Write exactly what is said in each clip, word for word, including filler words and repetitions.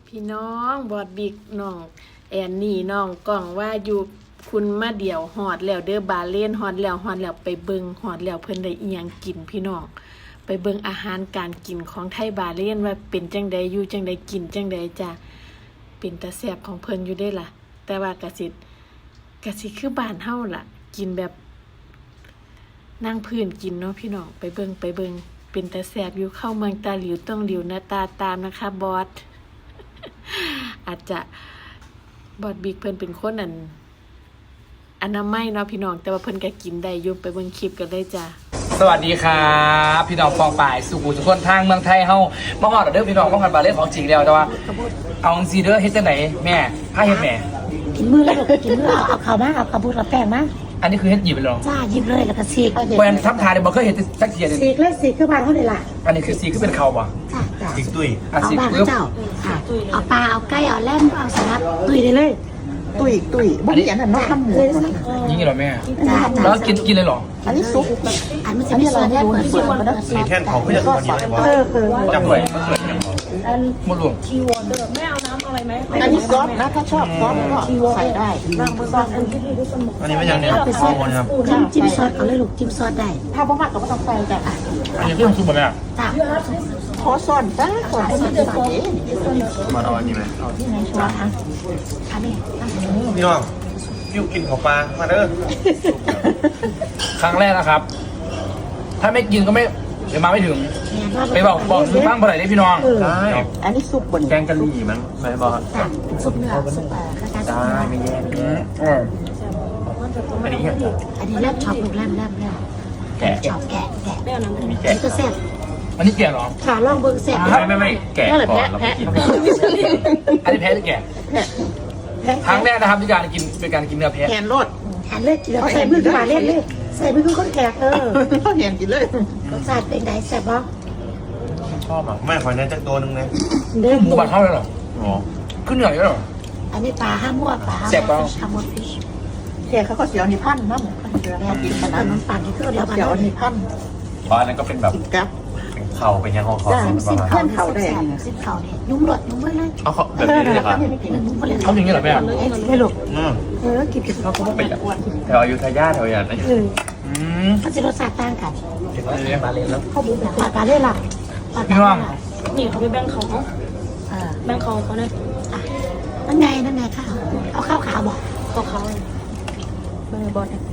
พี่น้องบอดบิ๊กน้องแอนนี่น้องกล่องว่าอยู่คุณมาเดี่ยวหอดแล้วเด้อบาเล่นหอดแล้วหอดแล้วไปเบิงหอดแล้วเพิ่นได้อีหยังกินพี่น้องไปเบิงอาหารการกินของไทยบาเล่นว่าเป็นจังใดอยู่จังใดกินจังใดจ้ะเป็นตาแซ่บของเพิ่นอยู่ได้ล่ะแต่ว่ากะสิกะสิคือบ้านเฮาล่ะกินแบบนั่งพื้นกินเนาะพี่น้องไปเบิงไปเบิงเป็นตาแซ่บอยู่เข้าเมืองตาหลิวต้องหลิวหน้าตาตามนะคะบอส อาจจะบอดบิ๊กเพิ่นเป็นคนอันอนามัยเนาะพี่น้องแต่ว่าเพิ่นก็กินได้อยู่ไปเบิ่งคลิปกันเลยจ้ะสวัสดีครับพี่น้องปองป่ายสุขุมทุกคนทางเมืองไทยเฮามาฮอดเด้อพี่น้องมาฮอดบาเล่นของจริงแล้วแต่ว่าเอาจังซี่เด้อเฮ็ดจังได๋แม่พาเฮ็ดแม่กินมือแล้วก็กินมือเอาเอาข้าวมาเอาข้าวบุญกับแป้งมาอันนี้คือเฮ็ดหยิบไปแล้วจ้าหยิบเลยแล้วก็ซีกบ่อันทำทานได้บ่เคยเฮ็ดสักเที่ยนึงซีกเลยซีกคือบ้านเขาเลยล่ะอันนี้คือสีคือเป็นข้าวบ่จ้าจ้าสีตุ้ยอ่ะเอาสีบ้านปึ๊บเจ้าค่ะเอาปลาเอาไก่เอาแล่มเอาสลัดตุยได้เลยตุ้ยตุ้ยบุ้งยันน่ะน้องทำหมูยิงเหรอแม่จ้าแล้วกินกินเลยเหรออันนี้ซุปอันมันจะมีส่วนแน่เปิดเปิดมันมีแท่นเขาก็จะทำอยู่ในวัดเออเออจับด้วยหมดรวมอันนี้ซอสนะถ้าชอบซอสก็ใส่ได้บางซอสอันนี้อันนี้ไม่ยังเนี่ยข้าวครับจิ้มจิ้มซอสเอาเลยลูกจิ้มซอสได้ถ้าบ่มากก็ไม่ต้องใส่จ้ะอันนี้เครื่องซุปบ่แม่จ้าขอซ่อนจ้าซ่อนใส่ใส่มาเอาอันนี้ไหมที่ไหนชัวร์คะอันนี้พี่น้องยูกินของปลามาเด้อครั้งแรกนะครับ ถ้าไม่กินก็ไม่เดี๋ยวมาไม่ถึงไปบอกบอกซื้อบ้างบ่ได้เด้พี่น้องได้อันนี้ซุปบนแกงกะหรี่มั้งไม่บอกจ้าซุปเนื้อซุปเอ่อข้าวจ้าได้ไม่แย่อืมอร่อยอันนี้อันนี้แล่มช็อปลูกแล่มแล่มแล่มแกะช็อปแกะแกะมีอัแกะนนี้ก็แซ่บอันนี้แก่เหรอขาลองเบิ่งแซ่บไม่ไม่ไม่แกะก่อนแล้วไปกินอันนี้แพ้หรือแก่ครั้งแรกนะครับที่การกินเป็นการกินเนื้อแพะแทนรสแทนเลยแล้วใส่มือขึ้นมาเล่นเลยใส่มือขึ้นคนแขกเออเขาแทนกินเลยรสชาติเป็นไงแซ่บบ่ชอบอ่ะไม่ขอเนื้อจักตัวนึงนะเด้อหมูบาดเท่าเลยเหรออ๋อขึ้นเหนื่อยเลยเหรออันนี้ปลาห้ามั่วปลาแซ่บเปล่าห้ามั่วฟิชแทนเขาก็เสียวนี่พันนะหมูเขากินขนาดน้ำปั่นที่คือเสีเดียยว วกันเสียวนี่พันเพราะอันนั้นก็เป็นแบบกินกับเข่าเป็นยังของเขาจ้าเป็นประมาณเพื่อนเขาได้สิบเข่าเนี่ยยุ่งหลดยุ่งเมื่อไรเอาเขาแบบนี้เลยครับยุ่งเมื่อไรเขาอย่างนี้เหรอแม่ไม่หลกอืมเออกินกินเขาก็ไม่ไปแถวอยุธยาแถวอย่างนั้นเอออืมมันจะรสชาติต่างกันมาเลยแล้วเขาบุกแบบปลาปลาเล่นหลักปลาพี่น้องนี่เขาไปแบ่งเขาเขาเออแบ่งเขาเขาเนี่ยนั่นไงนั่นไงข้าวเอาข้าวขาวบอกเขาเขาเลยแบ่งบอลเนี่ย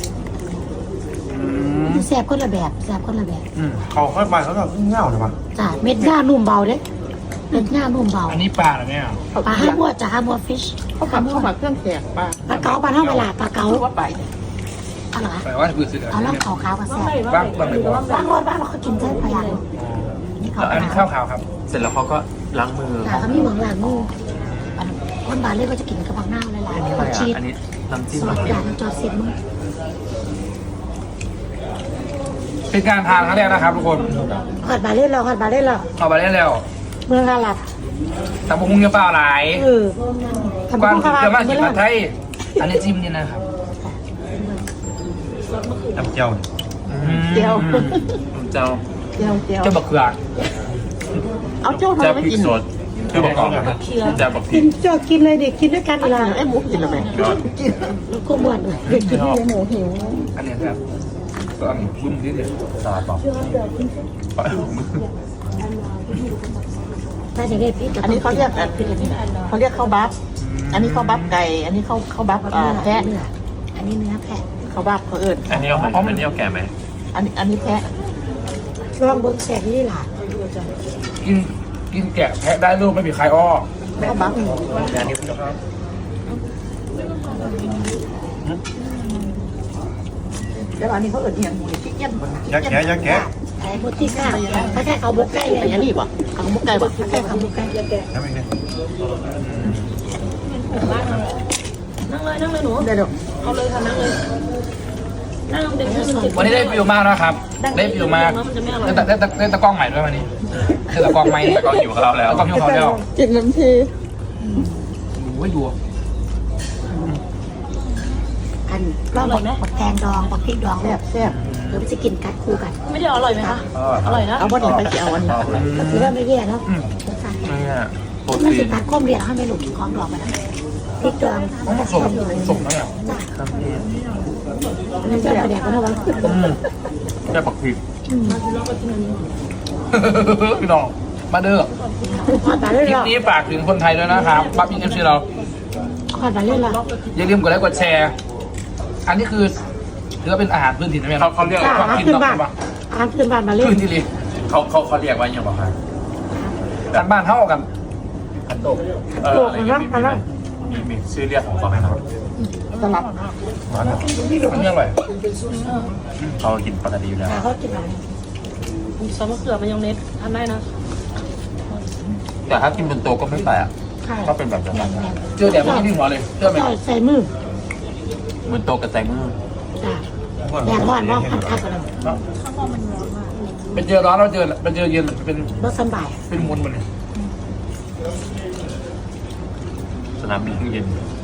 แซ่บคนละแบบแซ่บคนละแบบอืมเขาค่อยไปเขาก็เง่าเลยมั้งจ้าเม็ดหน้านุ่มเบาเด้เม็ดหน้านุ่มเบาอันนี้ปลาเหรอแม่ปลาห้าบัวจ้าห้าบัวฟิชเขาผัดเข้ามาเครื่องแขกปลาปลาเก๋าปลาเท่าเวลาปลาเก๋าว่าไปเอาเหรอแปลว่าคือซื้อเอาล่องขาวขาวมาแซ่บบ้างบ้างไม่บ้างบางวันบ้านเราเขากินเส้นพยางนี่เขาอันนี้ข้าวขาวครับเสร็จแล้วเขาก็ล้างมือแต่เขามีเหมืองหลังงูคนบาเล่ก็จะกินกระบังหน้าเลยล่ะผักชีสอันนี้น้ำจิ้มสอดจานจอดเสียบมือเป็นการทานครั้งแรกนะครับทุกคนหอดบาเล่เราหอดบาเล่เราเอาไปได้แล้วเมืองอาหรับแต่พวกมึงจะเปล่าหลายเออกวางคือเกลือมากกินผัดไทยอันนี้จิ้มนี่นะครับน้ำเจียวเจียวเจ้าเจียวเจียวเจ้าบักเขือเอาเจ้าทำไมไม่กินคือบอกก่อนจะบอกกินจอดกินเลยเด็กกินด้วยกันเวลาไอ้หมูกินแล้วไหมกินแล้วก็บ่นเลยกินหมูหิวอันนี้ครับก็อันนี้บุ้มนิดเดียวสลัดบอกถ้าจะได้พี่อันนี้เขาเรียกเขาเรียกข้าวบัฟอันนี้ข้าวบัฟไก่อันนี้ข้าวข้าวบัฟแพะอันนี้เนื้อแพะข้าวบัฟเขาเอิญอันนี้เอาอันนี้เอาแก่ไหมอันนี้อันนี้แพะลองเบิ้งแสบนี่ล่ะกินกินแกะแพะได้ลูกไม่มีใครอ้อข้าวบัฟอันนี้ครับแล้วอันนี้เขาเอิญเอียงหมูชิคเก้นยักแกะยักแกะไอ้บุตรที่ข้าถ้าแค่เขาบุกใกล้เลยอันนี้ป่ะข้าวมุกไก่ป่ะถ้าแค่เขาบุกใกล้ทำเองเนี่ยนั่งเลยนั่งเลยหนูได้หรอเอาเลยค่ะนั่งเลยนั่งเด็กที่มันติดวันนี้ได้ฟิวมากนะครับ ได้ฟิวมากได้ตะได้ตะได้ตะกล้องใหม่ด้วยวันนี้คือตะกล้องใหม่ตะกล้องอยู่กับเราแล้วตะกล้องอยู่กับเราแล้วกินน้ำทีโอ้ยดูอันลองบอกบักแตงดองบักพริกดองแซ่บแซ่บหรือมันจะกินกัดคู่กันไม่ได้อร่อยไหมคะอร่อยนะเอาวันนี้ไปเจียวอันนี้ก็ถือว่าไม่แย่เนาะอืมรสชาตินี่มันจะตัดข้อมเรียนให้ไม่หลุดของดอกไปนะพริกดองต้องผสมผสมแล้วเนี่ยนั่นจะประเดี๋ยวก็ได้บ้างแค่ปักผิดพี่น้องมาเด้อขอดมาเรื่คลิปอยนี้ฝากถึงคนไทยด้วยนะครับปั๊บอินเอฟซีเราๆขอดมาเรื่อยอย่าลืมกดไลค์กดแชร์ อันนี้คือถือว่าเป็นอาหารพื้นถิ่นนะแม่เขาเขาเรียกๆจ้าความอากินขึ้นดอกบ้านปะอาขึ้นบ้านมาเรื่อยพื้นที่เลยเขาเขาเขาเรียกว่าอย่างไรครับกันบ้านเท่ากันขันโตกเอออะไรอย่างเงี้ยมีมีชื่อเรียกของเขาไหมครับตลับอันนี้อร่อยเขากินปกติอยู่แล้วเขากินอะไรซอสมะเขือมายองเนสทำได้นะแต่ถ้ากินบนโต๊ะก็ไม่แปลกค่ะก็เป็นแบบนั้นเจอแต่ไม่กินหัวเลยเจอไหมใส่ใส่มือบนโต๊ะกระแตงมือจ้าแดดร้อนมากพัดๆกันเลยเป็นเจอร้อนแล้วเจอเป็นเจอเย็นเป็นรสสบายเป็นมวลมันเลยสนามบินเย็น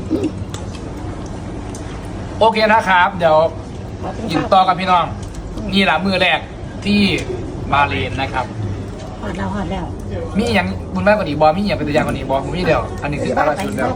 โอเคนะครับ เดี๋ยวยินต่อกับพี่น้อง นี่แหละมือแรกที่บาเลนนะครับหอดแล้วหอดแล้วมีอย่างบุญมากกว่านี้บอมีอย่างเป็นตัวอย่างกว่านี้บอผมมีเดียว อันนี้คือตลาดชุดแล้ว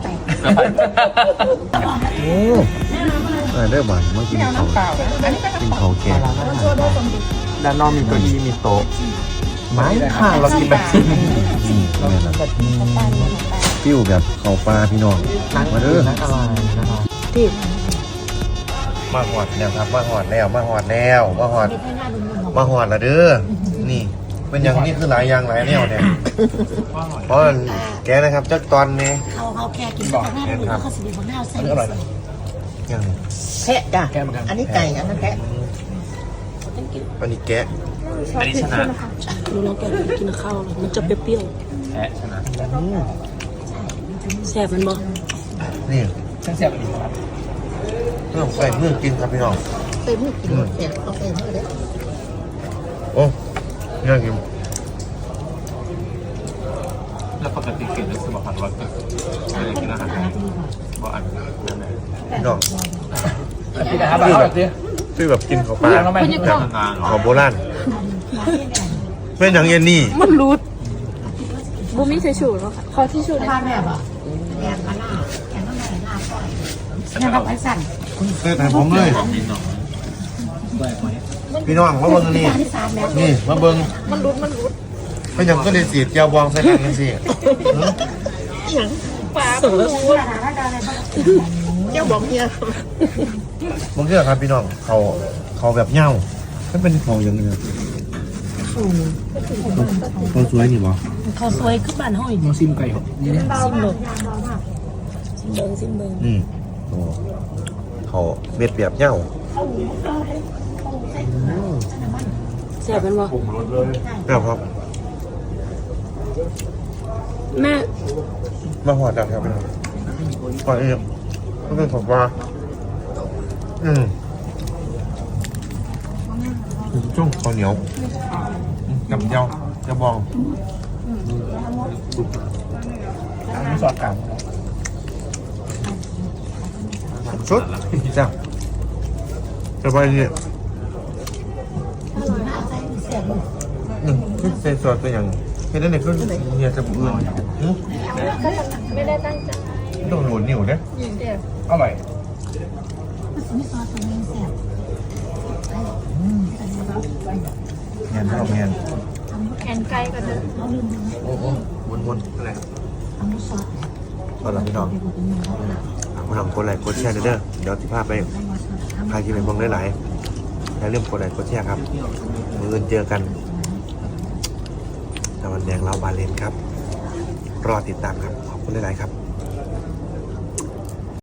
โอ้ได้เริ่มมันเมื่อกี้เขากินเขาแก่ด้านนอกมีเก้าอี้มีโต๊ะไม้ข้างเรากินแบบนี้นี่นี่แหละฟิวแบบเขาปลาพี่น้องมาเด้อที่มาหอดแล้วครับมาหอดแล้วมาหอดแล้วมาหอดมาหอดละเด้อนี่เป็นอย่างนี้คือหลายอย่างหลายแนวเนี่ยเพราะแกนะครับจักตอนนี้เขาเขาแค่กินกับหน้าหรือเขาสิบของหน้าใส่อันนี้อร่อยนะอย่างนี้แพะจ้ะแกเหมือนกันอันนี้ไก่อันนั้นแพะอันนี้แกะอันนี้ชนะดูแล้วแกกินข้าวเลยมันจะเปรี้ยวแพ้ชนะๆแซ่บมันบ่นี่ช่างเสียบอีกครับต้องใส่มือกินครับพี่น้องใส่มือกินเสียเอาใส่มือเด้อโอ้น่ากินแล้วปกติเกิดรู้สึกว่าผัดร้อนเกิดอะไรกินอาหารเพราะอันนั้นเลยพี่น้องพี่นะครับเอาแบบนี้ฟิวแบบกินเขาปลาเรียงแล้วไหมแบบนานหรอของโบราณเป็นอย่างเย็นนี่มันรูดบูมี่ใช้ชูแล้วค่ะขอที่ชูบ้านแม่บ่แดงมาล่าแกงน้ำไหลลาบก่อนยังกับไอ้สั่นเสื้อให้ผมเลยนิดหน่อยพี่น้องมาเบิ้งอันนี่ที่สามแล้วนี่มาเบิ้งมันรูดมันรูดเป็นอย่างก็เลยสีเจียวบองใส่กันกันสิปลาเจ้าบอกเนี่ยบางเรื่องครับพี่น้องเขาเขาแบบเหย้ามันเป็นเขาอย่างนี้เขาสวยนี่บ่ข้าวซอยขึ้นบ้านห้อยมาซิมไก่ครับนี่เนี่ยซิมเบิงซิมเบิงซิมเบิงนี่โอ้เขาเม็ดแบบเหย้าแซ่บมันบ่แล้วครับแม่มาหอดแล้วครับพี่น้องก่อนอื่นก็เป็นของปลาอืมจ้องข้าวเหนียวกับเจียวเจียวบองอันนี้สอดกลางสุดจ้าสบายดีอืมคือเซนสอดเป็นอย่างเห็นได้ในเครื่องเฮียจะบุอื่นไม่ได้ตั้งใจต้องโหนนิ้วเนี่ยอร่อยมีซอสตรงนี้เสียบเงียนเราเงียนแอนไก่กันเด้อโอ้โหวนวนอะไรครับทำด้วยซอสตอนหลังพี่น้องพี่น้องกดไลค์กดแชร์เด้อเดี๋ยวที่ภาพไปใครที่เป็นมองหลายๆอย่าลืมกดไลค์กดแชร์ครับมืออื่นเจอกันตะวันแดงเล้าบาเลนครับ รอติดตามครับ ขอบคุณหลายๆครับ